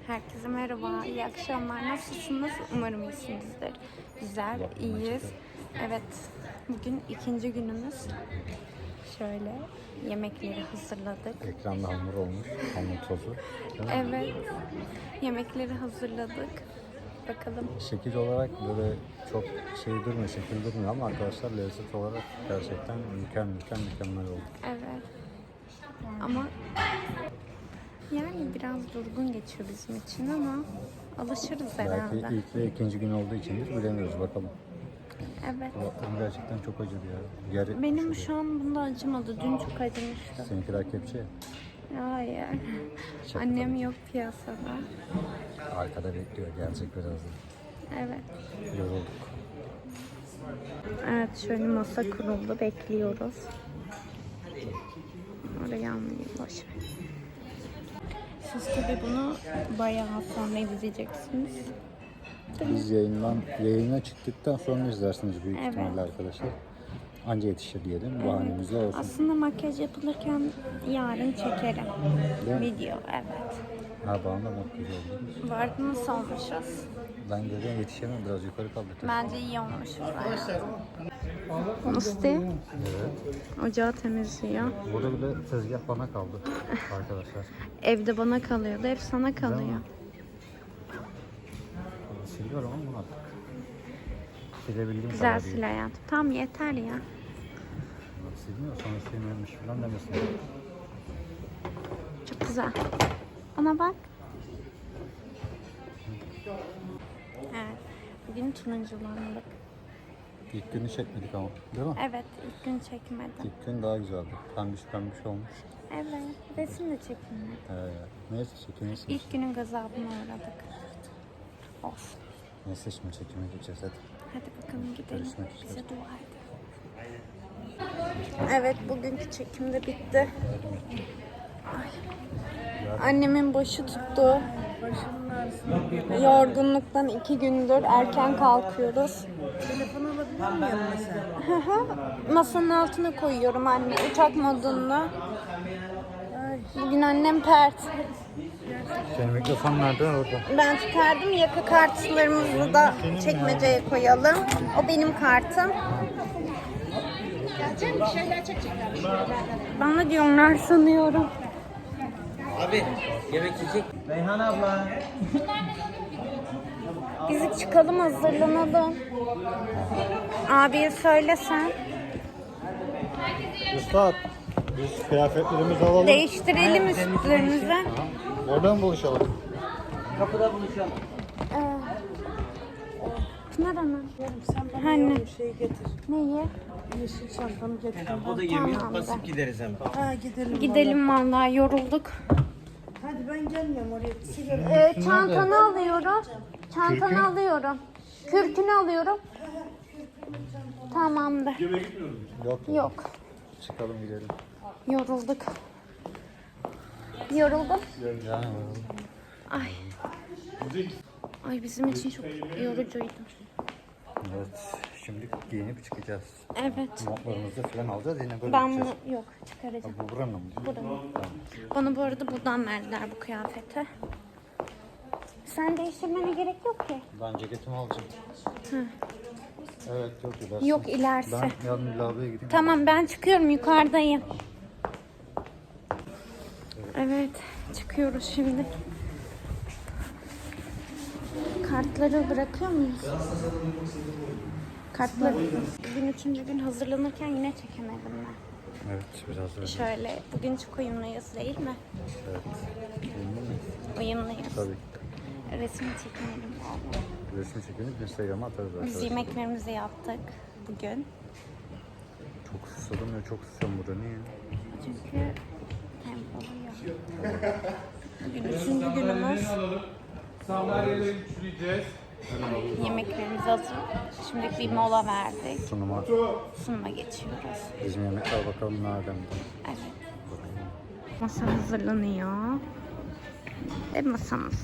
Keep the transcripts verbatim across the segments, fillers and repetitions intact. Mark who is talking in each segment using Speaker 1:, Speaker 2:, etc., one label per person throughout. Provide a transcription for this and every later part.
Speaker 1: Herkese merhaba, iyi akşamlar. Nasılsınız? Umarım iyisinizdir. Güzel, iyiyiz. Evet, bugün ikinci günümüz. Şöyle yemekleri hazırladık.
Speaker 2: Ekranda hamur olmuş, hamur tozu.
Speaker 1: Evet, yemekleri hazırladık. Bakalım.
Speaker 2: Şekil olarak böyle çok şey durmuyor, şekil durmuyor ama arkadaşlar lezzet olarak gerçekten mükemmel, mükemmel, mükemmel oldu.
Speaker 1: Evet. Ama yani biraz durgun geçiyor bizim için ama alışırız herhalde.
Speaker 2: Belki ilk ve ikinci gün olduğu içindir, bilemiyoruz bakalım.
Speaker 1: Evet.
Speaker 2: Kulaklarım gerçekten çok acıdı ya. Ger
Speaker 1: Benim şu an bunda acımadı. Dün çok acımıştı.
Speaker 2: Seninkiler kepçe.
Speaker 1: Hayır.
Speaker 2: Şaka
Speaker 1: Annem
Speaker 2: tabii.
Speaker 1: yok piyasada.
Speaker 2: Arkada bekliyor, gelecek birazdan.
Speaker 1: Evet.
Speaker 2: Yorulduk.
Speaker 1: Evet, şöyle masa kuruldu. Bekliyoruz. Oraya almayayım. Boş ver. Siz tabii bunu bayağı sonra izleyeceksiniz.
Speaker 2: Biz yayından, yayına çıktıktan sonra izlersiniz büyük
Speaker 1: Evet.
Speaker 2: ihtimalle arkadaşlar. Anca yetişir diyelim, bahanemizle olsun.
Speaker 1: Aslında makyaj yapılırken yarın çekerim.
Speaker 2: Değil mi?
Speaker 1: Video, evet.
Speaker 2: Ha bana da makyaj oldu.
Speaker 1: Vardı nasıl olmuşuz?
Speaker 2: Ben görüyorum yetişemem, biraz yukarı kaldı.
Speaker 1: Bence iyi olmuşuz. Musti
Speaker 2: Evet.
Speaker 1: ocağı temizliyor.
Speaker 2: Burada bile tezgah bana kaldı arkadaşlar.
Speaker 1: Evde bana kalıyordu, hep sana kalıyor.
Speaker 2: Siliyorum ama artık. Silebildiğim
Speaker 1: Güzel
Speaker 2: kadar
Speaker 1: sil
Speaker 2: değil.
Speaker 1: hayatım. Tamam yeter ya.
Speaker 2: Silmiyor, sonra silmiyormuş falan demesin.
Speaker 1: Çok güzel. Ona bak. Evet. Bugün turunculandık.
Speaker 2: İlk günü çekmedik ama, değil mi?
Speaker 1: Evet, ilk gün çekmedim.
Speaker 2: İlk gün daha güzeldi. Pembiş pembiş olmuş.
Speaker 1: Evet, resim de çekilmedi.
Speaker 2: Ee, neyse çekimizsiniz.
Speaker 1: İlk günün gazabına uğradık. Olsun.
Speaker 2: Neyse şimdi çekime geçeceğiz hadi.
Speaker 1: Hadi bakalım gidelim.
Speaker 2: Görüşmek üzere.
Speaker 1: Bize dua edin. Evet, bugünkü çekim de bitti. Ay. Annemin başı tuttu. Yorgunluktan iki gündür erken kalkıyoruz.
Speaker 3: Telefonu alabilir miyim mesela?
Speaker 1: Masanın altına koyuyorum anne, uçak modunda. Bugün annem pert.
Speaker 2: Senin mikrofon nerede? Orada.
Speaker 1: Ben çıkardım, yaka kartlarımızı da çekmeceye koyalım. O benim kartım.
Speaker 3: Gelecek bir şeyler çekecekler. Bir şeyler.
Speaker 1: Bana diyorlar sanıyorum.
Speaker 4: Abi yemek yiyecek. Reyhan abla.
Speaker 1: Biz çıkalım, hazırlanalım. Abiye söylesen.
Speaker 2: Üstad, biz kıyafetlerimizi alalım.
Speaker 1: Değiştirelim üstlerimizi.
Speaker 2: Oradan buluşalım.
Speaker 4: Kapıda buluşalım.
Speaker 1: Ee, Pınar Hanım.
Speaker 3: Sen bana
Speaker 1: Anne.
Speaker 3: bir şey getir.
Speaker 1: Neyi?
Speaker 3: Yeşil çantamı getir.
Speaker 4: O da yemeği
Speaker 1: Tamam,
Speaker 4: basıp
Speaker 1: ben-
Speaker 4: gideriz hemen.
Speaker 3: Ha gidelim.
Speaker 1: Gidelim vallahi, yorulduk.
Speaker 3: Vallahi. Hadi ben gelmiyorum oraya. Sigara.
Speaker 1: Ee, çantanı alıyorum. Çantanı alıyorum. Kürkünü alıyorum. Tamamdır.
Speaker 2: Yok.
Speaker 1: Yok.
Speaker 2: Çıkalım gidelim.
Speaker 1: Yorulduk. Yoruldum.
Speaker 2: Yani
Speaker 1: Ay. Ay bizim için çok yorucuydu.
Speaker 2: evet. Şimdi giyinip çıkacağız.
Speaker 1: Evet.
Speaker 2: Montlarımızı falan alacağız. Yine böyle
Speaker 1: Ben
Speaker 2: gideceğiz.
Speaker 1: bunu yok çıkaracağım.
Speaker 2: Bu buranın mı?
Speaker 1: Buranın. Bana bu arada buradan verdiler bu kıyafeti. Sen değiştirmene gerek yok ki.
Speaker 2: Ben ceketimi alacağım.
Speaker 1: Hı.
Speaker 2: Evet yok ilerisi.
Speaker 1: Yok ilerisi.
Speaker 2: Ben yarın lavaboya gideyim.
Speaker 1: Tamam, ben çıkıyorum, yukarıdayım. Evet, çıkıyoruz şimdi. Kartları bırakıyor muyuz? Kartları. Bugün üçüncü gün hazırlanırken yine çekemedim ben.
Speaker 2: Evet biraz öyle.
Speaker 1: Şöyle, bugün çok uyumluyuz değil mi?
Speaker 2: Evet. Emin miyiz?
Speaker 1: Uyumluyuz.
Speaker 2: Tabii.
Speaker 1: Resim çekemedim valla.
Speaker 2: Resim çekilip Instagram'a atarız
Speaker 1: Biz
Speaker 2: arkadaşlar.
Speaker 1: yemeklerimizi yaptık bugün.
Speaker 2: Çok susadım ya, çok susadım burada. Niye?
Speaker 1: Çünkü tempolu ya. Bugün üçüncü günümüz.
Speaker 5: Sandalyeleri üçleyeceğiz.
Speaker 1: Yemeklerimiz hazır. Şimdi bir mola verdik.
Speaker 2: Sunuma.
Speaker 1: Sunuma geçiyoruz.
Speaker 2: Bizim yemekler bakalım nereden.
Speaker 1: Evet. Masa hazırlanıyor. Ve masamız.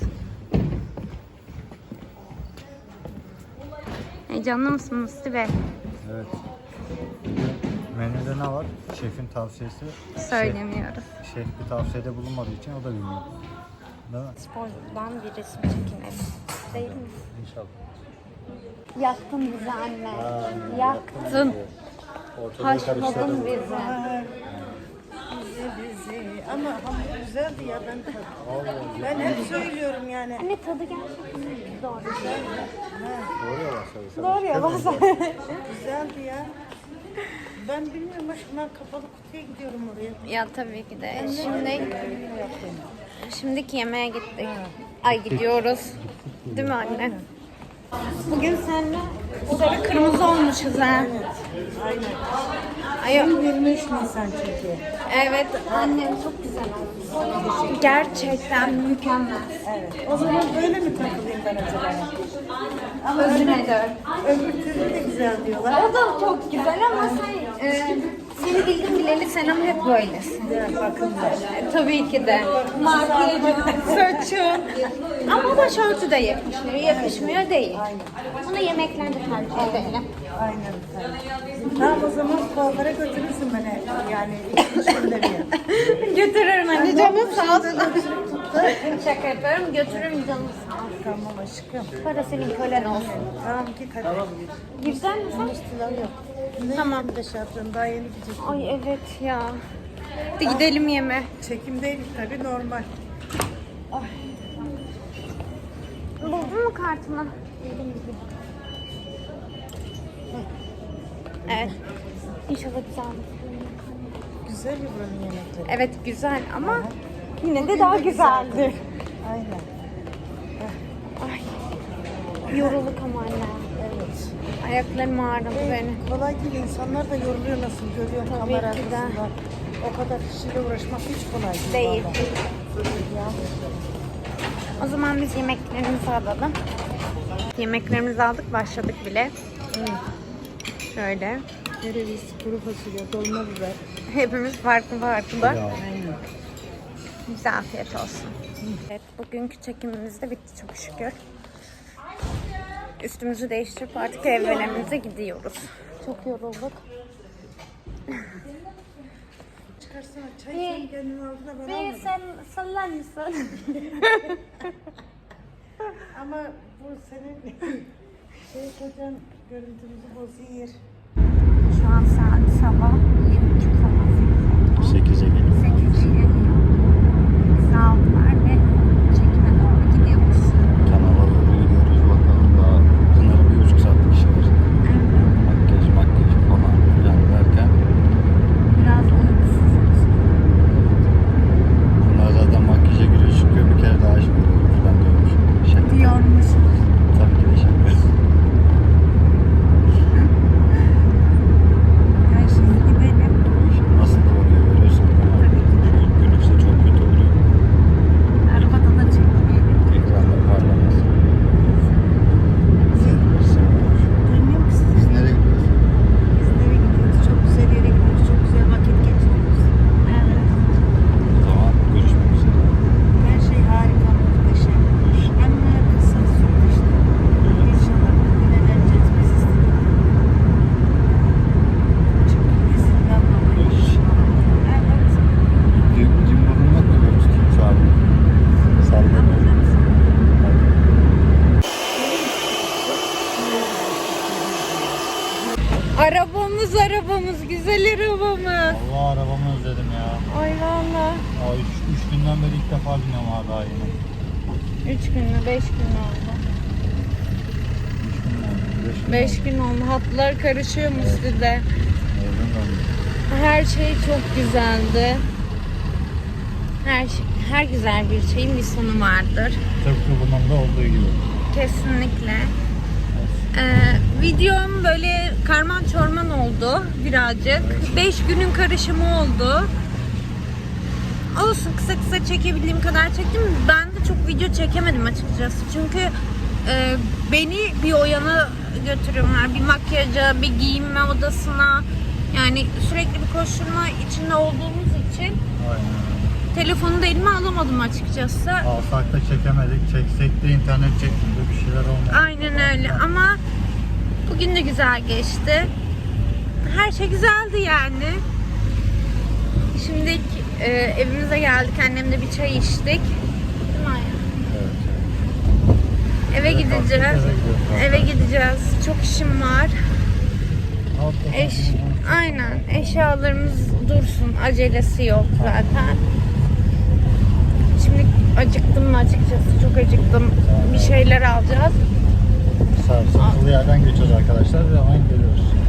Speaker 1: Heyecanlı mısın Musti Bey?
Speaker 2: Evet. Menüde ne var? Şefin tavsiyesi.
Speaker 1: Söylemiyoruz.
Speaker 2: Şef, şef bir tavsiyede bulunmadığı için o da bilmiyor. Değil mi?
Speaker 1: Spordan bir resim çekinelim. Değil mi?
Speaker 2: İnşallah.
Speaker 1: Yaktın bizi anne.
Speaker 2: Aa,
Speaker 1: Yaktın.
Speaker 2: Ortalığı
Speaker 1: Haşladın
Speaker 2: karıştırdın.
Speaker 1: bizi.
Speaker 3: Ay, bizi bizi. Ama hamur güzeldi ya ben tadı. Ben hep söylüyorum yani.
Speaker 1: Anne tadı gerçekten doğru.
Speaker 2: Doğru ya başladı.
Speaker 1: Doğru ya bazen.
Speaker 3: Güzeldi ya. Ben bilmiyorum aşkım ben kapalı kutuya gidiyorum oraya.
Speaker 1: Ya tabii ki de. Şimdi şimdiki yemeğe gittik. Ay gidiyoruz. Değil mi anne? Bugün seninle sarı kırmızı olmuşuz ha.
Speaker 3: Aynen.
Speaker 1: Ay,
Speaker 3: yirmi üç Nisan çünkü.
Speaker 1: evet annem çok güzel olmuş. Gerçekten mükemmel.
Speaker 3: Evet. O zaman böyle mi takılayım ben acaba? Ama
Speaker 1: Özüne dön.
Speaker 3: öbür türlü de güzel diyorlar.
Speaker 1: O da çok güzel ama sen e, seni bildim bileli sen ama hep böylesin.
Speaker 3: Güzel bakımlar.
Speaker 1: E, tabii ki de. Makyajın, saçın. Ama başörtü de yakışmıyor. Yakışmıyor değil. Bunu yemeklerde tercih edelim.
Speaker 3: Aynen. Tamam o zaman kuaföre götürürsün beni. Yani işimleri ya.
Speaker 1: Götürürüm anne canım sağ olsun. Şaka yapıyorum götürürüm canım sağ olsun.
Speaker 3: Tamam aşkım.
Speaker 1: Para senin kölen olsun.
Speaker 3: Tamam git hadi.
Speaker 1: Güzel mi sen?
Speaker 3: Üstüler yok. Ne
Speaker 1: Tamam.
Speaker 3: de şey yapıyorum daha yeni gidecek.
Speaker 1: Ay evet ya. Hadi gidelim yeme.
Speaker 3: Çekimdeydik tabii normal.
Speaker 1: Buldun mu kartını? Evet. İnşallah güzel olur.
Speaker 3: Güzel ya buranın yemekleri.
Speaker 1: Evet güzel ama yine de daha güzeldir.
Speaker 3: Aynen.
Speaker 1: Ay. Yorulduk ama anne.
Speaker 3: Evet.
Speaker 1: Ayaklarım ağrıdı benim.
Speaker 3: Kolay değil. İnsanlar da yoruluyor nasıl görüyor
Speaker 1: Tabii
Speaker 3: kamera
Speaker 1: ki de.
Speaker 3: arkasında. O kadar kişiyle uğraşmak hiç kolay değil.
Speaker 1: Değil.
Speaker 3: vallahi. Ya.
Speaker 1: O zaman biz yemeklerimizi alalım. Yemeklerimizi aldık, başladık bile. Şöyle.
Speaker 3: Kereviz, kuru fasulye, dolma biber.
Speaker 1: Hepimiz farklı farklı.
Speaker 2: Ya.
Speaker 3: Aynen.
Speaker 1: Bize afiyet olsun. Evet, bugünkü çekimimiz de bitti çok şükür. Üstümüzü değiştirip artık evlerimize gidiyoruz. Çok yorulduk.
Speaker 3: Çıkarsana çay sen kendin aldın da ben
Speaker 1: Bir
Speaker 3: almadım.
Speaker 1: sen sallar mısın?
Speaker 3: Ama bu senin şey kocan görüntümüzü bozuyor.
Speaker 1: Şu an saat sabah yedi buçuk falan.
Speaker 2: sekize geliyor.
Speaker 1: sekize geliyor. Bizi aldılar ve çekime doğru gidiyoruz.
Speaker 2: Kanala doğru gidiyoruz bakalım daha Pınar'ın bir buçuk saatlik işi var. Makyaj makyaj falan filan derken
Speaker 1: Biraz uykusuzuz.
Speaker 2: Pınar zaten makyaja giriyor çıkıyor bir kere daha aşık oluyor falan diyormuş. Şaka.
Speaker 1: Diyormuş.
Speaker 2: Tabii ki de şaka.
Speaker 1: Her şey gidelim.
Speaker 2: Nasıl da oluyor görüyorsun. Şu ilk günlükse çok kötü oluyor.
Speaker 1: Arabada da çekmeyelim.
Speaker 2: Ekranda parlamaz.
Speaker 3: Dönüyor musun?
Speaker 2: Biz nereye gidiyoruz?
Speaker 3: Biz nereye gidiyoruz? Çok güzel yere gidiyoruz. Çok güzel vakit geçiriyoruz.
Speaker 1: Evet.
Speaker 2: O zaman görüşmek üzere.
Speaker 3: Her şey harika, muhteşem. Anne kısa sürdü işte. İnşallah bugün eğleneceğiz biz istedik. Çünkü izinden dolayı. Evet.
Speaker 2: Cimburun yok mu böyle tutayım şu an? Sallamıyorum.
Speaker 1: Arabamız arabamız, güzel arabamız.
Speaker 2: Allah arabamı özledim ya.
Speaker 1: Ay valla.
Speaker 2: Aa, üç, üç günden beri ilk defa biniyorum abi daha yeni.
Speaker 1: Üç gün mü, beş gün mü oldu?
Speaker 2: Üç gün oldu. Beş gün
Speaker 1: Beş
Speaker 2: oldu.
Speaker 1: gün oldu. Hatlar karışıyor mu size?
Speaker 2: Evden döndüm.
Speaker 1: Her şey çok güzeldi. Her şey, her güzel bir şeyin bir sonu vardır.
Speaker 2: Tıpkı bunun da olduğu gibi.
Speaker 1: Kesinlikle. Ee, videom böyle karman çorman oldu birazcık. Beş günün karışımı oldu. Olsun kısa kısa çekebildiğim kadar çektim. Ben de çok video çekemedim açıkçası. Çünkü e, beni bir o yana götürüyorlar. Bir makyaja, bir giyinme odasına. Yani sürekli bir koşturma içinde olduğumuz için
Speaker 2: Aynen.
Speaker 1: telefonu da elime alamadım açıkçası.
Speaker 2: Alsak da çekemedik. Çeksek de internet çekmedi. Bir şeyler olmadı.
Speaker 1: Aynen öyle ama bugün de güzel geçti. Her şey güzeldi yani. Şimdi e, evimize geldik. Annemle bir çay içtik. Değil mi Aya? gideceğiz. Eve gideceğiz. Çok işim var. Eş, aynen. Eşyalarımız dursun. Acelesi yok zaten. Şimdi acıktım mı açıkçası? Çok acıktım. Bir şeyler alacağız.
Speaker 6: Sarsıntılı yerden geçiyoruz arkadaşlar ve hemen geliyoruz.